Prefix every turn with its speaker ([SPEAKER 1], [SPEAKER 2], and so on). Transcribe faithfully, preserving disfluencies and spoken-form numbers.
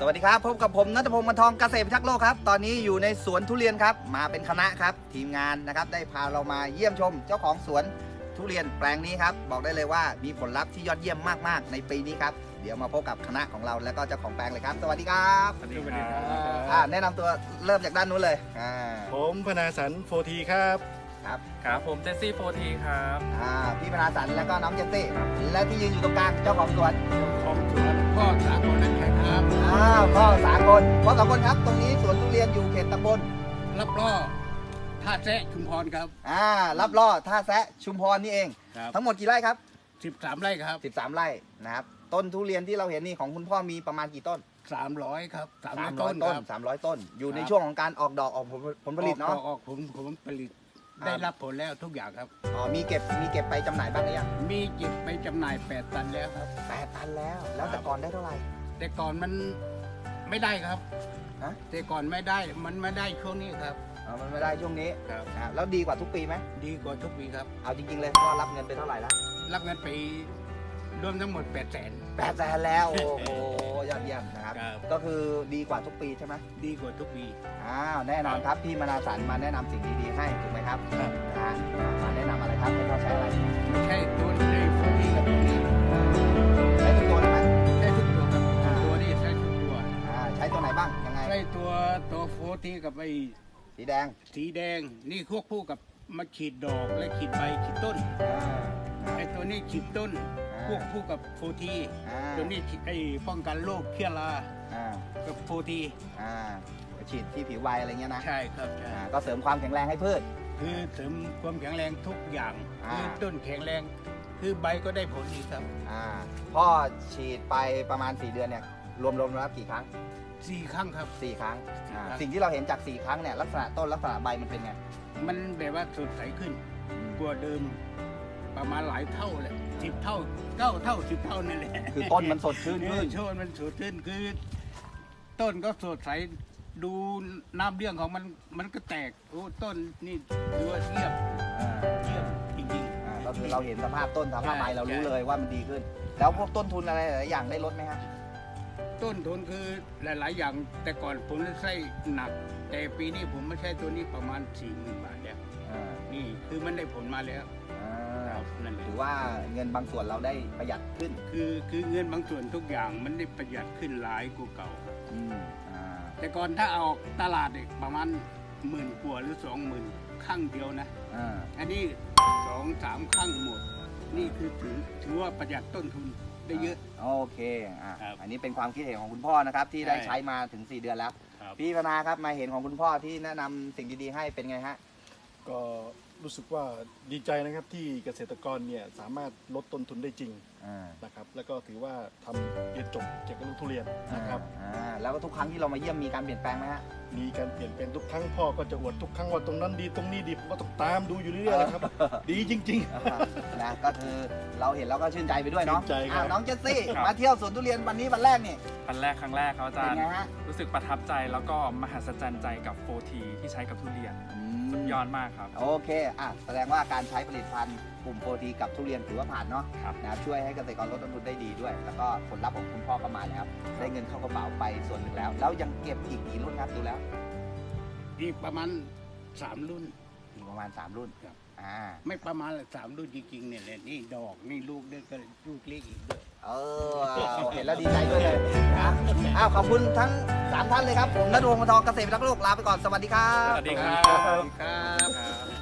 [SPEAKER 1] วัสดีครับพบกับผมณัฐพงศ์ บรรทองเกษตรพิทักษ์โลกครับตอนนี้อยู่ในสวนทุเรียนครับมาเป็นคณะครับทีมงานนะครับได้พาเรามาเยี่ยมชมเจ้าของสวนทุเรียนแปลงนี้ครับบอกได้เลยว่ามีผลลัพธ์ที่ยอดเยี่ยมมากๆในปีนี้ครับเดี๋ยวมาพบกับคณะของเราแล้วก็เจ้าของแปลงเลยครับสวัสดีครับ
[SPEAKER 2] สวัสดีครับ
[SPEAKER 1] อ่าแนะนำตัวเริ่มจากด้านนู้นเลยอ่า
[SPEAKER 2] ผมพนาสันโฟทีครับ
[SPEAKER 1] ครับ
[SPEAKER 3] ครับผมเจสซี่โฟทีครับ
[SPEAKER 1] อ่าพี่พนาสันแล้วก็น้องเจสซี่และที่ยืนอยู่ตรงกลางเจ้าของสวน
[SPEAKER 2] ของสวนพ่อสากลนั่นแหละครับ
[SPEAKER 1] อ้าวพ่อสากลพ่อสากลครับตรงนี้สวนทุเรียนอยู่เขตตำบล
[SPEAKER 2] รับล่อท่าแซะชุมพรครับ
[SPEAKER 1] อ่ารับล่อท่าแซะชุมพรนี่เองทั้งหมดกี่ไร่ครับ
[SPEAKER 2] สิบสามไร่ครับ
[SPEAKER 1] สิบสามไร่นะครับต้นทุเรียนที่เราเห็นนี่ของคุณพ่อมีประมาณกี่ต้น
[SPEAKER 2] สามร้อยครับสามร้อย
[SPEAKER 1] ต้
[SPEAKER 2] ต้
[SPEAKER 1] น
[SPEAKER 2] น
[SPEAKER 1] สามร้อยต้นอยู่ในช่วงของการออกดอกออกผลผลผลิตเนาะ
[SPEAKER 2] ออกผลผลผลิตได้รับผลแล้วทุกอย่างครับ
[SPEAKER 1] อ๋อมีเก็บมีเก็บไปจำหน่ายบ้างหรือยัง
[SPEAKER 2] มีเก็บไปจำหน่ายแปดตันแล้วครับ
[SPEAKER 1] แปดตันแล้วแล้วแต่ก่อนได้เท่าไหร่
[SPEAKER 2] แต่ก่อนมันไม่ได้ครับ
[SPEAKER 1] ฮะ
[SPEAKER 2] แต่ก่อนไม่ได้มันไม่ได้ช่วงนี้ครับ
[SPEAKER 1] อ๋อมันไม่ได้ช่วงนี้
[SPEAKER 2] ครับ
[SPEAKER 1] แล้วดีกว่าทุกปีไหม
[SPEAKER 2] ดีกว่าทุกปีครับ
[SPEAKER 1] เอาจริงๆเลยพ่อรับเงินไปเท่าไหร่แล้ว
[SPEAKER 2] รับเงินไปรวมทั้งหมดแปดแสน
[SPEAKER 1] แปดแสนแล้วโอ้โหยอดเยี่ยมนะครับก็คือดีกว่าทุกปีใช่ไหม
[SPEAKER 2] ดีกว่าทุกปี
[SPEAKER 1] อ้าวแน่นอนครับพี่มนาสันมาแนะนำสิ่งดีๆให้ถูกไหมครับนะมาแนะนำอะไรครับให้พ่อใช้อะไร
[SPEAKER 2] ใช่ตัวในโฟทีกับตัวนี้
[SPEAKER 1] ใช้ทุกตัวเลยไหม
[SPEAKER 2] ใช้ทุกตัวครับตัวนี้ใช้ทุกตัว
[SPEAKER 1] ใช้ตัวไหนบ้างยังไง
[SPEAKER 2] ใช้ตัวตัวโฟทีกับไอ้
[SPEAKER 1] สีแดง
[SPEAKER 2] สีแดงนี่ควบคู่กับมาขีดดอกและขีดใบขีดต้นไอ้ตัวนี้ขีดต้นควบคู่กับโฟทีตัวนี้ไอ้ป้องกันโรคเชื้อรากับโฟที
[SPEAKER 1] ฉีดที่ผิวใบอะไรเงี้ยนะ
[SPEAKER 2] ใช่ครับใช่
[SPEAKER 1] ก็เสริมความแข็งแรงให้พืช
[SPEAKER 2] คือเสริมความแข็งแรงทุกอย่างคือต้นแข็งแรงคือใบก็ได้ผลดีครับ
[SPEAKER 1] พ่อฉีดไปประมาณสี่เดือนเนี่ยรวมๆแล้วกี่ครั้ง
[SPEAKER 2] สี่ครั้งครับ
[SPEAKER 1] สี่ครั้งสิ่งที่เราเห็นจากสี่ครั้งเนี่ยลักษณะต้นลักษณะใบมันเป็นไง
[SPEAKER 2] มันแบบว่าสดใสขึ้นกว่าเดิมประมาณหลายเท่าเลยสิบเท่าเก้าเท่าสิบเท่านั่นแหละ
[SPEAKER 1] คือต้นมันสดชื่นขึ้น
[SPEAKER 2] ต้นมันสดชื่นคือต้นก็สดใสดูน้ำเลี้ยงของมันมันก็แตกโอ้ต้นนี่ถือว่าเยี่ยมเยี่ยมจริง
[SPEAKER 1] ๆก็คือเราเห็นสภาพต้นสภาพใบเรารู้เลยว่ามันดีขึ้นแล้วพวกต้นทุนอะไรหลายอย่างได้ลดไหมฮะ
[SPEAKER 2] ต้นทุนคือหลายๆอย่างแต่ก่อนผมใช้หนักแต่ปีนี้ผมไม่ใช่ตัวนี้ประมาณสี่หมื่นบาทแล้วนี่คือมันได้ผลมาแล้ว
[SPEAKER 1] นั่นถือว่าเงินบางส่วนเราได้ประหยัดขึ้น
[SPEAKER 2] คือคือเงินบางส่วนทุกอย่างมันได้ประหยัดขึ้นหลายกว่าเก่าแต่ก่อนถ้าออกตลาดประมาณหมื่นกว่าหรือสองหมื่นข้างเดียวนะอันนี้สองสามข้างหมดนี่คือถือถือว่าประหยัดต้นทุนได้เยอะ
[SPEAKER 1] โอเคอ่ะอันนี้เป็นความคิดเห็นของคุณพ่อนะครับที่ได้ใช้มาถึงสี่เดือนแล้วพี่พนาครับมาเห็นของคุณพ่อที่แนะนำสิ่งดีๆให้เป็นไงฮะ
[SPEAKER 4] ก็รู้สึกว่าดีใจนะครับที่เกษตรกรเนี่ยสามารถลดต้นทุนได้จริงนะครับแล้วก็ถือว่าทำเรียนจบเกี่ยวกับเรื่องทุเรียนนะครับ
[SPEAKER 1] แล้วก็ทุกครั้งที่เรามาเยี่ยมมีการเปลี่ยนแปลงไหมฮะ
[SPEAKER 4] มีการเปลี่ยนแปลงทุกครั้งพ่อก็จะอวดทุกครั้งว่าตรงนั้นดีตรงนี้ดีผมก็ต้องตามดูอยู่เรื่อยๆนะครับดีจริง
[SPEAKER 1] ๆนะก็คือเราเห็นแล้วก็ชื่นใจไปด้วยเนาะ
[SPEAKER 4] ชื่นใจครับ
[SPEAKER 1] น้องเจสซี่มาเที่ยวสวนทุเรียนวันนี้วันแรกนี่
[SPEAKER 3] วันแรกครั้งแรกครับอาจารย์รู้สึกประทับใจแล้วก็มหัศจรรย์ใจกับโฟทีที่ใช้กับทุเรียนสุดยอดมากครับ
[SPEAKER 1] โอเคอ่ะแสดงว่าการใช้ผลิตภัณฑ์กลุ่มโฟทีกับทุเรียนถือว่าผ่านเนาะนะช่วยให้เกษตรกรลดต้นทุนได้ดีด้วยแล้วก็ผลลัพธ์ของคุณพ่อก็มาแล้วได้เงินเข้ากระเป๋าไปส่วนหนึ่งแล้วแล้วยังเก็บอีกกี่รุ่นครับดูแล้ว
[SPEAKER 2] อีกประมาณสามรุ่น
[SPEAKER 1] อีกประมาณสามรุ่น
[SPEAKER 2] ครับอ่าไม่ประมาณสามรุ่นจริงๆเนี่ยเลยนี่ดอกนี่ลูกเด็กก็ลูกเล็กอีกด้วย
[SPEAKER 1] เออเห็นแล้วดีใจด้วยเลยนะอ้าวขอบคุณทั้งสามท่านเลยครับผมณัฐพงศ์ บรรทองเกษตรพิทักษ์โลกลาไปก่อนสวัสดีครับ
[SPEAKER 3] สวัสดีครับ
[SPEAKER 2] ครับ